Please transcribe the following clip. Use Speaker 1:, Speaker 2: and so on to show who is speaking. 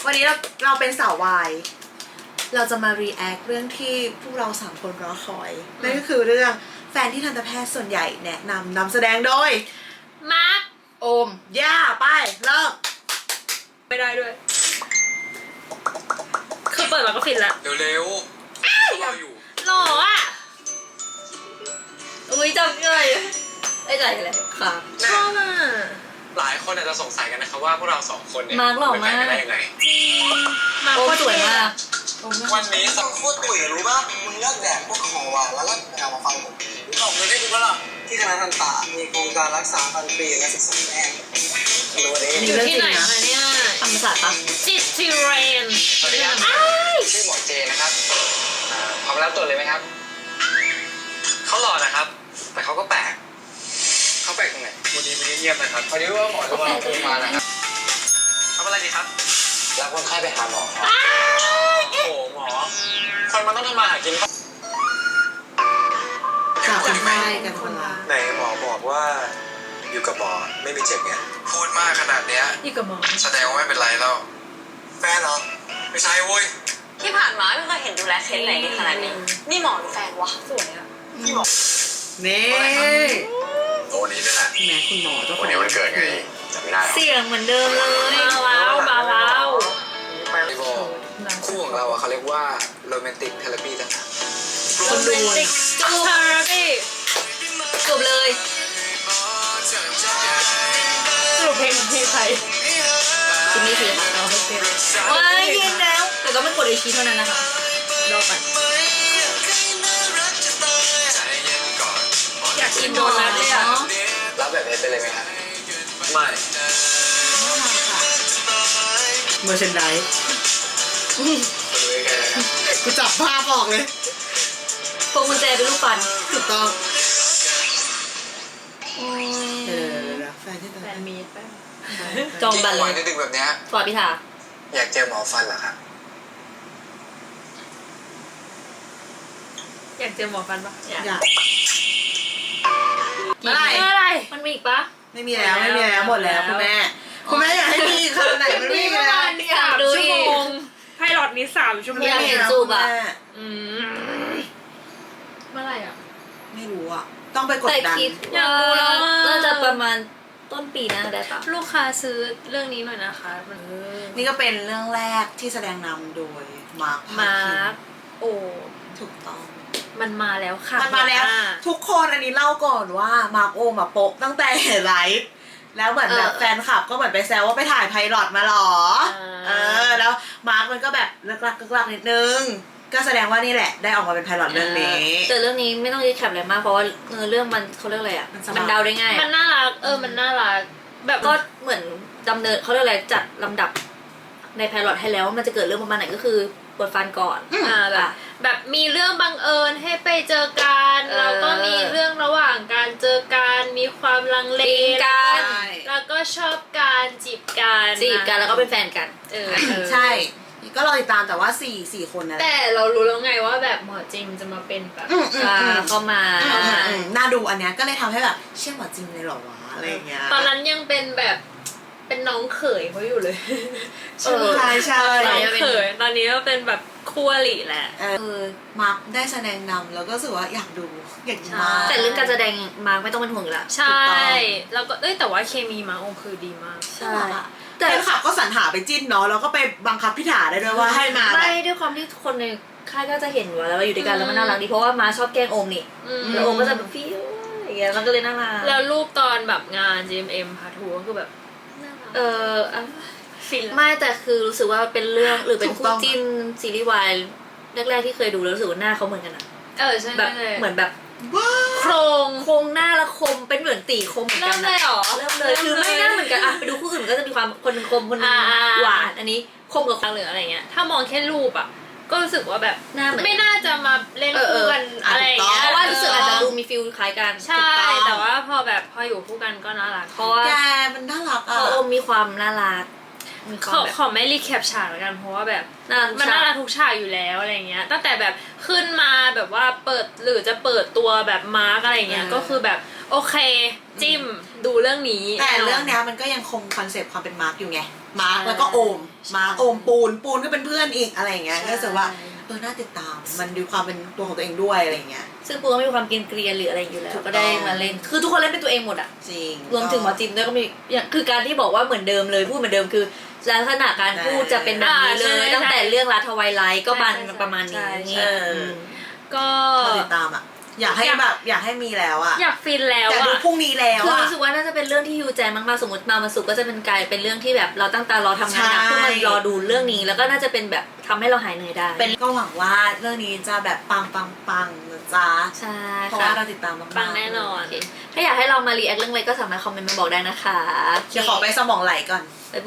Speaker 1: วันนี้เราเป็นสาววายเราจะมา react เรื่องที่พวกเรา3คนรอคอยนั่นก็คือเรื่องแฟนที่ทันตแพทย์ส่วนใหญ่แนะนำแสดงโดย
Speaker 2: มาร์ค
Speaker 1: โอมย่าไปเริ่ม
Speaker 2: ไม่ได้ด้วยคือเปิดมาก็ฟินละ
Speaker 3: เร็วๆเราอยู่
Speaker 2: หล่ออ่ะอุ้ยจำเลยไอ้ใจเลยค่ะชอบอ่ะ
Speaker 3: หลายคนอาจจะสงสัยกันนะครับว่าพวกเราสองคนเนี่ย
Speaker 2: มาร์คหล่อมาก
Speaker 3: เป็นแฟนกันได้ยังไง
Speaker 2: มาร์คโคตรสวยมาก
Speaker 3: วันนี้สัก
Speaker 4: โคตรตุ๋ยรู้ป่ะมึงเลิกแดกพวกของหวานแล้วก็เอามาฟังผมพี่บอกเลยได้ดูป่ะล่ะที่คณะทันตะมีโครงการรักษาฟันฟรีและศึกษาแพทย์รู้ดิ
Speaker 2: อยู่ที่ไหนคะเนี่ย
Speaker 1: ธรรมศาสตร์ปะ
Speaker 2: จิตทิเรน
Speaker 3: สวัสดีครับชื่อหมอเจนะครับพร้อมรับตัวเลยไหมครับเขาหล่อนะครับ แต่เขาก็แปลกเขาแปลกตรงไหนวันนี้เงียบๆนะครับพอดีว่าหมอจะมาโทรมานะครับทำอะไรดีครับรับคนไข้ไปหาหมอโอ้โหหมอคนมันต้องทำมาหากิน
Speaker 1: จากคนไข้กันคนละ
Speaker 4: ไหนหมอบอกว่าอยู่กับหมอไม่มีเจ็บไง
Speaker 3: พูดมากขนาดเนี้ย
Speaker 2: นี่กับหมอ
Speaker 3: แสดงว่าไม่เป็นไรแล้ว
Speaker 4: แฟนเหรอ
Speaker 3: ไม่ใช่เว้ย
Speaker 5: ที่ผ่านมาไม่เคยเห็นดูแลเคสไหนดีขนาดนี้ นี่หมอหรือแฟนวะ
Speaker 2: สวยอ่ะ
Speaker 4: พี่หมอ
Speaker 1: นี่
Speaker 3: วันนี้นี่แหละ
Speaker 1: แหมคุณหมอเจ้าขอ
Speaker 3: วัน
Speaker 1: ง
Speaker 3: นี้วันเกิดไงจำไม่ได้หรอ
Speaker 2: เสียงเหมือนเดิมเลยมาแล้ว
Speaker 3: ไม่บอกคู่ของเราอะเขาเรียกว่าโรแมนติกเทเลปีต่างหาก
Speaker 1: คนดู
Speaker 2: ติกจูบเทอราปีจบเลยสรุปเพลงใคร
Speaker 1: จิมมี่สีค่ะเราให้เต็ม
Speaker 2: ว้ายเย็นแล้ว แต่ต้องไม่กดไอชีเท่านั้นนะคะรอก่อนอยากกินโดนัทเลยอ่ะ
Speaker 3: รับแบบนี้ไปเลยไหมครับไม่
Speaker 1: เมอร์เชนไดส์
Speaker 3: คุณรู้แค่ไหนครับ
Speaker 1: กูจับภาพออกเลย
Speaker 2: พวงกุญแจเป็นลูกปัน
Speaker 1: ถูกต้องเดี๋ยวแฟนที่
Speaker 2: แฟนมีแป้ง
Speaker 1: จ
Speaker 2: จ
Speaker 1: อ
Speaker 2: อง งบัตร
Speaker 3: ห
Speaker 2: เล
Speaker 3: วาน
Speaker 2: ย
Speaker 3: ดึกๆแบบเนี้ย
Speaker 2: ฟอร์ดพิธา
Speaker 3: อยากเจอหมอฟันเหรอครับ
Speaker 2: อยากเจอหมอฟันปะอยาก
Speaker 1: อยาก
Speaker 2: เมื่อไหร่มันมีอีกปะ
Speaker 1: ไม่มีแล้วหมดแล้วคุณแม่อยากให้มีขนาดไหนมันไม่มีแล้ว
Speaker 2: อยากดูอีก
Speaker 6: ไพลอตนี้3 ชั่วโมง
Speaker 2: อยากเห็นจูบอะ
Speaker 6: เมื่อไหร่อ่ะ
Speaker 1: ไม่รู้อ่ะต้องไปกด
Speaker 2: แต่
Speaker 1: ดัน
Speaker 2: คิด
Speaker 6: อยากดูแล้วอะ
Speaker 2: น่าจะประมาณต้นปีหน้าได้ปะ
Speaker 6: ลูกค้าซื้อเรื่องนี้หน่อยนะคะมัน
Speaker 1: นี่ก็เป็นเรื่องแรกที่แสดงนำโดยมาร์ค
Speaker 6: มาร์คโอ้
Speaker 1: ถูกต้อง
Speaker 6: มันมาแล้วค่ะ
Speaker 1: มันมาแล้ว ทุกคนอันนี้เล่าก่อนว่ามาร์คโอมาโปะตั้งแต่ไลฟ์แล้วเหมือนแบบแฟนคลับก็เหมือนไปแซวว่าไปถ่ายไพลอตมาหรอแล้วมาร์คมันก็แบบเลิกลักนิดนึงก็แสดงว่านี่แหละได้ออกมาเป็นไพลอตเรื่องนี้
Speaker 2: แต่เรื่องนี้ไม่ต้องรีแคปอะไรมากเพราะว่าเรื่องมันเขาเรียกอะไรอ่ะ
Speaker 1: มันสบาย
Speaker 2: มันเดาได้ง่าย
Speaker 6: มันน่ารักมันน่ารักแบบ
Speaker 2: ก็เหมือนดำเนินเขาเรียกอะไรจัดลำดับในไพลอตให้แล้วว่ามันจะเกิดเรื่องประมาณไหนก็คือปวดฟันก่อน
Speaker 6: แบบมีเรื่องบังเอิญให้ไปเจอกันแล้วก็มีเรื่องระหว่างการเจอกันมีความลังเล
Speaker 2: ตีกัน
Speaker 6: แล้วก็ชอบการจีบกัน
Speaker 2: จีบกันแล้วก็เป็นแฟนกัน
Speaker 1: ใช่ ก็รอติดตามแต่ว่า4คนนั่นแหละ
Speaker 6: แต่เรารู้แล้วไงว่าแบบหมอจริงจะมาเป็นแบบ
Speaker 2: เข้ามา
Speaker 1: น่าดูอันเนี้ยก็เลยทำให้แบบเชื่อหมอจริงเลยเหรอวะอะไรอย่างเงี้ย
Speaker 6: ตอนนั้นยังเป็นแบบเป็นน้องเขยเขาอยู่เลย
Speaker 1: ใช่
Speaker 6: น้องเขยตอนนี้ก็เป็นแบบคู่อริแหละ
Speaker 1: มาร์คได้แสดงนำแล้วก็รู้สึกว่าอยากดูมาก
Speaker 2: แต่เรื่องการแสดงมาร์กไม่ต้องเป็นห่วงอยู่แล้ว
Speaker 6: ใช่ แล้วก็แต่ว่าเคมีมาองคือดีมาก
Speaker 2: ใช่
Speaker 1: แต่แฟนคลับก็สรรหาไปจิ้นเนาะแล้วก็ไปบังคับพี่ถาได้ด้วยว่าให้มาแบบ
Speaker 2: ไม่ด้วยความที่คนในค่ายก็จะเห็นว่าแล้วว่าอยู่ด้วยกันแล้วมันน่ารักดีเพราะว่ามาชอบแกล้งโอมนี่แล้วโอมก็จะแบบฟิวอย่างเงี้ยมันก็เลยน่ารัก
Speaker 6: แล้วรูปตอนแบบงาน GMM พาทัวร์ก็คือแบบน่ารักฟิน
Speaker 2: ไม่แต่คือรู้สึกว่าเป็นเรื่องหรือเป็นคู่จิ้นซีรีส์วายแรกๆที่เคยดูแล้วรู้สึกว่าหน้าเขาเหมือนกันอะ
Speaker 6: ใช่
Speaker 2: แบบเหมือนแบบ
Speaker 6: โครง
Speaker 2: โครงหน้าและคมเป็นเหมือนตีคมเหมือน
Speaker 6: เริ่
Speaker 2: กั
Speaker 6: ม
Speaker 2: น
Speaker 6: เลยเหรอ
Speaker 2: เริ่มเลยคือไม่น่าเหมือนกันอะไปดูคู่อื่นก็จะมีความคนหนึงคมคนหนึงหวานอันนี้คมกับ
Speaker 6: หรืออะไรเงี้ยถ้ามองแค่รูปอ่ะก็รู้สึกว่าแบบ
Speaker 2: หน้าเหมือน
Speaker 6: ไม่น่าจะมาเล่นคู่กันอะไรอย่างเงี้ย
Speaker 2: เพราะว่ารู้สึกอาจจะดูมีฟิลคล้ายกัน
Speaker 6: ใช่แต่ว่าพออยู่คู่กันก็น่ารัก
Speaker 2: เพราะว่า
Speaker 1: แกมันน่ารัก
Speaker 2: เพ
Speaker 1: อ่ะ
Speaker 2: ราะโอมมีความน่ารักมีความแบบ
Speaker 6: ขอไม่รีแคปฉากแล้วกันเพราะว่าแบบ
Speaker 2: น่ารัก
Speaker 6: มันน่ารักทุกฉากอยู่แล้วอะไรเงี้ยตั้งแต่แบบขึ้นมาแบบว่าเปิดหรือจะเปิดตัวแบบมาร์กอะไรเงี้ยก็คือแบบโอเคจิ้มดูเรื่องนี้
Speaker 1: แต่เรื่องเนี้ยมันก็ยังคงคอนเซปต์ความเป็นมาร์คอยู่ไงมาร์คแล้วก็โอมมาร์คโอมปูนก็เป็นเพื่อนอีกอะไรอย่างเงี้ย
Speaker 2: ใช่
Speaker 1: ก็รู้สึกว่าน่าติดตามมันดูความเป็นตัวของตัวเองด้วยอะไรอย่างเงี้ย
Speaker 2: ซึ่งปูก็มีความเกรียนๆหรืออะไรอยู่แล้ว
Speaker 1: ถูกต้อง
Speaker 2: ก็ได้มาเล่นคือทุกคนเล่นเป็นตัวเองหมดอ่ะ
Speaker 1: จริง
Speaker 2: รวมถึงหมอจิมด้วยก็มีอย่างคือการที่บอกว่าเหมือนเดิมเลยพูดเหมือนเดิมคือลักษณะการพูดจะเป็นแบบนี้เลย ตั้งแต่เรื่องรัฐไวไลท์ก็มันประมาณนี้
Speaker 6: ก็
Speaker 1: เราติดตามอ่ะอยากให้แบบอยากให้มีแล้วอ่ะ
Speaker 6: อยากฟินแล้ว
Speaker 1: อยากดู
Speaker 6: อ่ะ
Speaker 1: พรุ่งนี้แล้ว
Speaker 2: คือ
Speaker 1: อ่ะ
Speaker 2: รู้สึกว่าน่าจะเป็นเรื่องที่ฮิวใจมากๆสมมติมาสุกก็จะเป็นกลายเป็นเรื่องที่แบบเราตั้งตารอทำงานหนัก
Speaker 1: ใช่
Speaker 2: เพื่อมารอดูเรื่องนี้แล้วก็น่าจะเป็นแบบทำให้เราหายเหนื่อยได้
Speaker 1: เป็นก็หวังว่าเรื่องนี้จะแบบปังนะจ๊ะ
Speaker 2: ใช่
Speaker 1: เพราะ
Speaker 2: ค่ะ
Speaker 1: ว่าเราติดตามมากๆ
Speaker 6: ปังแน่นอน
Speaker 2: โอเคถ้าอยากให้เรามารีแอคเรื่องอะไรก็สามารถคอมเมนต์มาบอกได้นะคะ
Speaker 1: เดี๋ยวขอไปสมองไหลก่อน